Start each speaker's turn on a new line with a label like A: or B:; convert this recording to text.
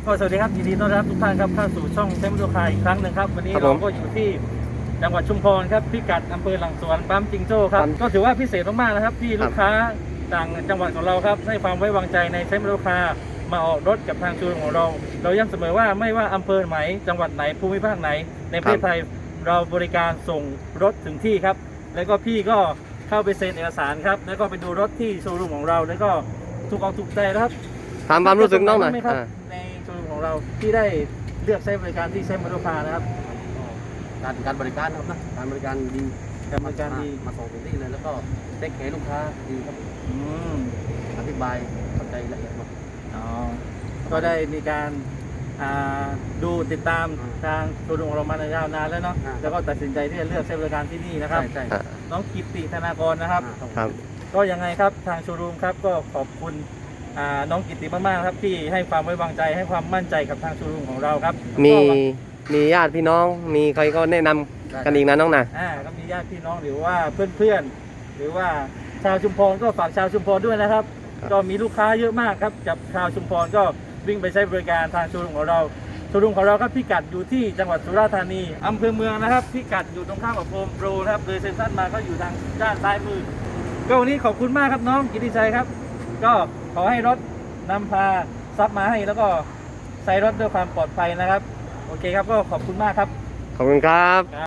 A: ก็สวัสดีครับยินดีต้อนรับทุกท่านครับเข้าสู่ช่องเซมโลคาอีกครั้งหนึ่งครับวันนี้เราก็อยู่ที่จังหวัดชุมพรครับพิกัดอำเภอหลังสวนปั๊มจิงโจ้ครับก็ถือว่าพิเศษมากๆนะครับที่ลูกค้าต่างจังหวัดของเราครับให้ความไว้วางใจในเซมโลคามาออกรถกับทางโชว์รูมของเราย้ำเสมอว่าไม่ว่าอำเภอไหนจังหวัดไหนภูมิภาคไหนในประเทศไทยเราบริการส่งรถถึงที่ครับแล้วก็พี่ก็เข้าไปเซ็นเอกสารครับแล้วก็ไปดูรถที่โชว์รูมของเราแล้วก็ถูกใจนะครับ
B: ถามความรู้สึกน้องหน่อย
A: ในโชว์รูมของเราที่ได้เลือกใช้บริการที่เซมโลคานะครับ
C: การบริการครับนะการบริการดี
A: การบริการดี
C: มาส่งถึงที่เลยแล้วก็เด็กแขลูกค้าดีครับอธิบายเข้าใจละเอียดหมด
A: ก็ได้มีการดูติดตามทางโชว์รูมของเรามายาวนานแล้วเนาะแล้วก็ตัดสินใจที่จะเลือกใช้บริการที่นี่นะครับ
C: ใช่
A: น้องกิตติธนากรนะครับ
B: ครับ
A: ก็ยังไงครับทางโชว์รูมครับก็ขอบคุณน้องกิตติมากๆครับที่ให้ความไว้วางใจให้ความมั่นใจกับทางโชว์รูมของเราครับ
B: มีญาติพี่น้องมีใครก็แนะนำกันอีกนะน้องนะ
A: ก็มีญาติพี่น้องหรือว่าเพื่อนๆหรือว่าชาวชุมพรก็ฝากชาวชุมพรด้วยนะครับก็มีลูกค้าเยอะมากครับกับชาวชุมพรก็วิ่งไปใช้บริการทางโชว์รูมของเราโชว์รูมของเราครับพิกัดอยู่ที่จังหวัดสุราษฎร์ธานีอำเภอเมืองนะครับพิกัดอยู่ตรงข้ามกับโฮมโปรนะครับเลยเซ็นทรัลมาก็อยู่ทางด้านซ้ายมือก็วันนี้ขอบคุณมากครับน้องกิติชัยครับก็ขอให้รถนำพาทรัพย์มาให้แล้วก็ใช้รถด้วยความปลอดภัยนะครับโอเคครับก็ขอบคุณมากครับ
B: ขอบคุณครับ